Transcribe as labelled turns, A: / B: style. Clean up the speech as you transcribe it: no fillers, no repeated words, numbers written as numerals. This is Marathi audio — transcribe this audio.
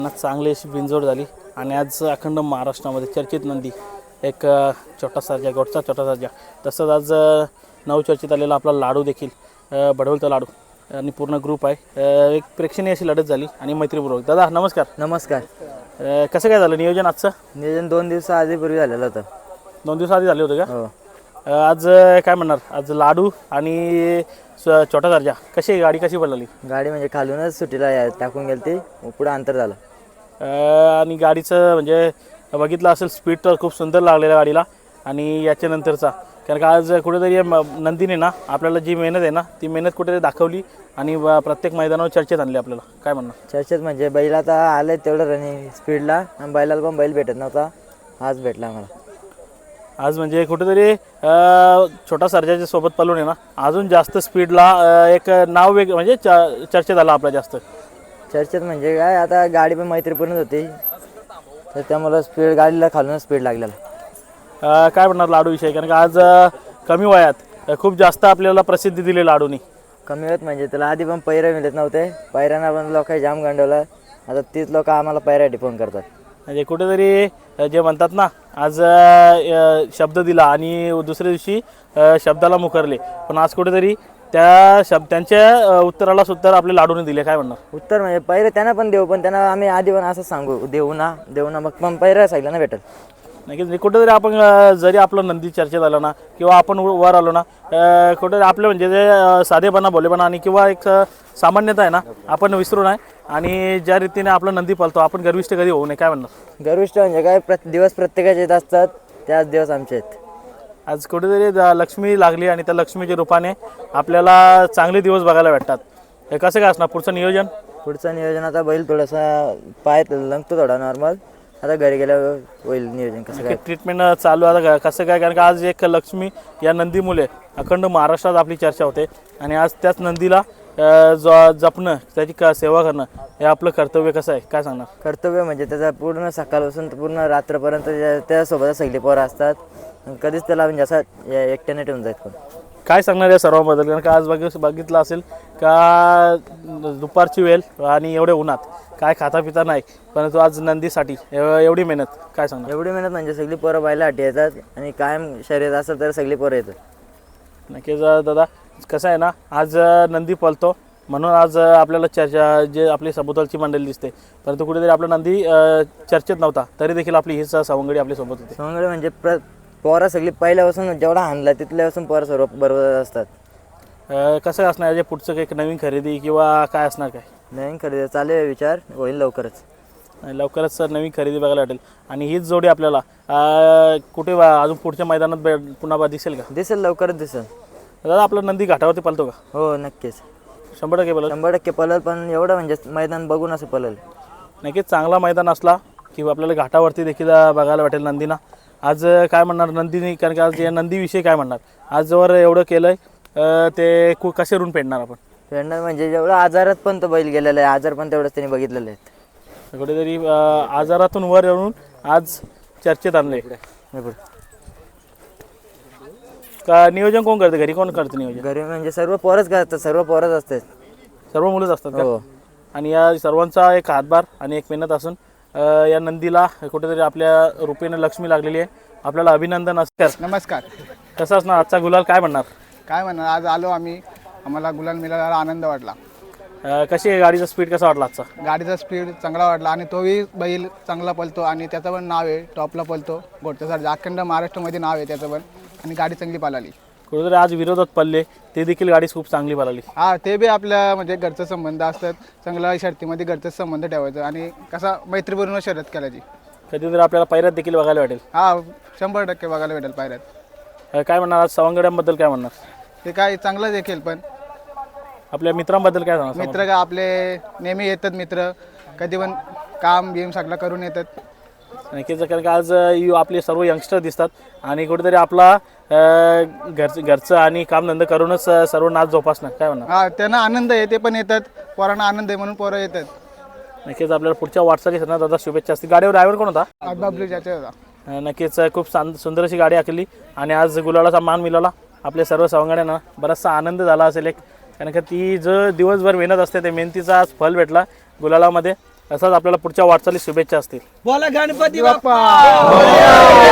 A: चांगली अशी बिनजोड झाली आणि आज अखंड महाराष्ट्रामध्ये चर्चित नंदी एक छोटा सर्जा गोटचा छोटा सर्जा. तसंच आज नवचर्चित आलेला आपला लाडू देखील बडवलचा लाडू आणि पूर्ण ग्रुप आहे. एक प्रेक्षणीय अशी लढत झाली आणि मैत्रीपूर्वक. दादा नमस्कार.
B: नमस्कार.
A: कसं काय झालं नियोजन आजचं?
B: नियोजन 2 दिवसाआधीपूर्वी झालेलं होतं.
A: 2 दिवस आधी झाले होते का?
B: हो.
A: आज काय म्हणणार, आज लाडू आणि छोटा सर्जा कशी गाडी कशी पडली?
B: गाडी म्हणजे खालूनच सुट्टीला टाकून गेली ती, पुढं अंतर झालं.
A: आणि गाडीचं म्हणजे बघितलं असेल स्पीड तर खूप सुंदर लागलेल्या गाडीला. आणि याच्यानंतरचा कारण का आज कुठेतरी नंदीने ना आपल्याला जी मेहनत आहे ना ती मेहनत कुठेतरी दाखवली आणि प्रत्येक मैदानावर चर्चेत आणली आपल्याला. काय म्हणणार?
B: चर्चेत म्हणजे बैल आता आले तेवढं रनिंग स्पीडला आणि बैलाला पण बैल भेटत नव्हता, आज भेटला आम्हाला.
A: आज म्हणजे कुठेतरी छोटा सर्जाच्या सोबत पळून आहे ना अजून जास्त स्पीडला एक नाव वेग म्हणजे चर्चेत आला आपला जास्त.
B: चर्चेत म्हणजे काय, आता गाडी पण मैत्रीपूर्णच होती तर त्यामुळं स्पीड गाडीला खालूनच स्पीड लागलेला.
A: काय म्हणणार लाडू विषय? कारण का आज कमी वयात खूप जास्त आपल्याला प्रसिद्धी दिली लाडूनी.
B: कमी होत म्हणजे त्याला आधी पण पैरे मिळत नव्हते, पैऱ्यांना पण लोक जाम गंडवलं. आता तीच लोक आम्हाला पैऱ्यासाठी फोन करतात. म्हणजे
A: कुठेतरी जे म्हणतात ना आज शब्द दिला आणि दुसऱ्या दिवशी शब्दाला मुकरले, पण आज कुठेतरी त्यांच्या उत्तराला उत्तर आपल्या लाडूने दिले. काय म्हणणार?
B: उत्तर म्हणजे पैरे त्यांना पण देऊ, पण त्यांना आम्ही आधी पण असं सांगू देऊ ना मग पण पैरा सांगितलं ना भेटल.
A: नाही कुठेतरी आपण जरी आपलं नंदी चर्चेत आलं ना किंवा आपण वर आलो ना कुठेतरी आपलं म्हणजे जे साधेपणा भोलेपणा आणि किंवा एक सामान्यता आहे ना आपण विसरू नये. आणि ज्या रीतीने आपला नंदी पालतो आपण गर्विष्ठ कधी होऊ नये. काय म्हणणार?
B: गर्विष्ठ म्हणजे काय, दिवस प्रत्येकाचे येत असतात, त्याच दिवस आमचे आहेत.
A: आज कुठेतरी लक्ष्मी लागली आणि त्या लक्ष्मीच्या रूपाने आपल्याला चांगले दिवस बघायला भेटतात. हे कसं काय असणार पुढचं नियोजन?
B: पुढचं नियोजन आता बैल थोडासा पाय लंगतो थोडा नॉर्मल, आता घरी गेल्यावर होईल नियोजन. कसं काय
A: ट्रीटमेंट चालू आता कसं काय? कारण का आज एक लक्ष्मी या नंदीमुळे अखंड महाराष्ट्रात आपली चर्चा होते आणि आज त्याच नंदीला जपणं त्याची सेवा करणं हे आपलं कर्तव्य. कसं आहे काय सांगणार?
B: कर्तव्य म्हणजे त्याचा पूर्ण सकाळपासून पूर्ण रात्रपर्यंत त्यासोबत सगळी पोरं असतात, कधीच त्याला म्हणजे असं एकट्याने ठेवून जायचं. पण
A: काय सांगणार या सर्वांबद्दल? कारण का आज बघितलं असेल का दुपारची वेळ आणि एवढे उन्हात काय खाता पिता नाही, परंतु आज नंदीसाठी एवढी मेहनत. काय सांगणार?
B: एवढी मेहनत म्हणजे सगळी पोरं बैलासाठी येतात आणि कायम शर्यत असेल तर सगळी पोरं येतात.
A: नक्कीच दादा. कसं आहे ना आज नंदी पळतो म्हणून आज आपल्याला चर्चा जे आपली सभोवतालची मंडळी दिसते, परंतु कुठेतरी आपला नंदी चर्चेत नव्हता तरी देखील आपली हीच सवंगडी आपल्यासोबत होती.
B: सवंगडी म्हणजे पोरं सगळी पहिल्यापासून जेवढा हाणला तिथल्यापासून पोरं सर्व बरोबर असतात.
A: कसं असणार म्हणजे पुढचं काही नवीन खरेदी किंवा काय असणार? काय
B: नवीन खरेदी चालू आहे, विचार होईल लवकरच.
A: लवकरच सर नवीन खरेदी बघायला भेटेल आणि हीच जोडी आपल्याला कुठे अजून पुढच्या मैदानात पुन्हा दिसेल का?
B: दिसेल, लवकरच दिसेल.
A: दादा आपला नंदी घाटावरती पळतो का?
B: हो नक्कीच,
A: 100% पळेल.
B: 100% पळेल, पण एवढं म्हणजे मैदान बघून असं पळेल.
A: नक्कीच चांगला मैदान असला की आपल्याला घाटावरती देखील बघायला भेटेल नंदीना. आज काय म्हणणार नंदीने? कारण का आज या नंदीविषयी काय म्हणणार? आज जवळ एवढं केलंय ते कसे रून पेडणार आपण?
B: पेडणार म्हणजे जेवढं आजारात पण तो बैल गेलेला आहे, आजार पण तेवढंच त्यांनी बघितलेले आहेत.
A: कुठेतरी आजारातून वर येऊन आज चर्चेत आणले. का नियोजन कोण करते? घरी कोण करते नियोजन?
B: घरी म्हणजे सर्व पोरच करतात, सर्व पोरच असतात,
A: सर्व मुलंच असतात का?
B: हो.
A: आणि या सर्वांचा एक हातभार आणि एक मेहनत असून या नंदीला कुठेतरी आपल्या रूपेने लक्ष्मी लागलेली आहे. आपल्याला अभिनंदन असतात.
C: नमस्कार.
A: कसं असणार आजचा गुलाल? काय म्हणणार?
C: काय म्हणणार, आज आलो आम्ही, आम्हाला गुलाल मिळाला, आनंद वाटला.
A: कशी आहे गाडीचा स्पीड कसा वाटला आजचा?
C: गाडीचा स्पीड चांगला वाटला आणि तोही बैल चांगला पळतो आणि त्याचं पण नाव आहे, टॉपला पळतो घोटच्यासाठी, अखंड महाराष्ट्रामध्ये नाव आहे त्याचं पण, आणि गाडी चांगली पळाली.
A: कुठेतरी आज विरोधात पडले ते देखील गाडी खूप चांगली पळाली.
C: हा, ते बी आपल्या म्हणजे घरचं संबंध असतात, चांगला शर्तीमध्ये घरचं संबंध ठेवायचं आणि कसा मैत्रीपूर्ण शर्यत करायची.
A: कधीतरी आपल्याला पायऱ्यात देखील बघायला भेटेल.
C: हा, 100% बघायला भेटेल पायऱ्यात.
A: काय म्हणणार आज सवंगड्यांबद्दल? काय म्हणणार?
C: ते काय चांगलं देखील, पण
A: आपल्या मित्रांबद्दल काय सांगणार?
C: मित्र का आपले नेहमी येतात मित्र, कधी पण काम गेम सगळं करून येतात.
A: नक्कीच. कारण का आज आपले सर्व यंगस्टर दिसतात आणि कुठेतरी आपला घरचं आणि कामधंदा करूनच सर्व नाच जोपासणार. काय म्हणणार?
C: हा, त्यांना आनंद आहे, ते पण येतात, पोरांना आनंद आहे म्हणून पोरं येतात.
A: नक्कीच. आपल्याला पुढच्या वाटचालीसाठी दादा शुभेच्छा असतील. गाडीवर ड्रायव्हर कोण होता?
C: बबलू चाचा होता.
A: नक्कीच खूप सुंदर अशी गाडी आखली आणि आज गुलालाचा मान मिळाला आपल्या सर्व सवंगड्यांना. बराचसा आनंद झाला असेल एक, कारण का ती जो दिवसभर मेहनत असते त्या मेहनतीचा आज फल भेटला गुलालामध्ये. असाच आपल्याला पुढच्या वाटचाली शुभेच्छा असतील.
D: बोला गणपती बाप्पा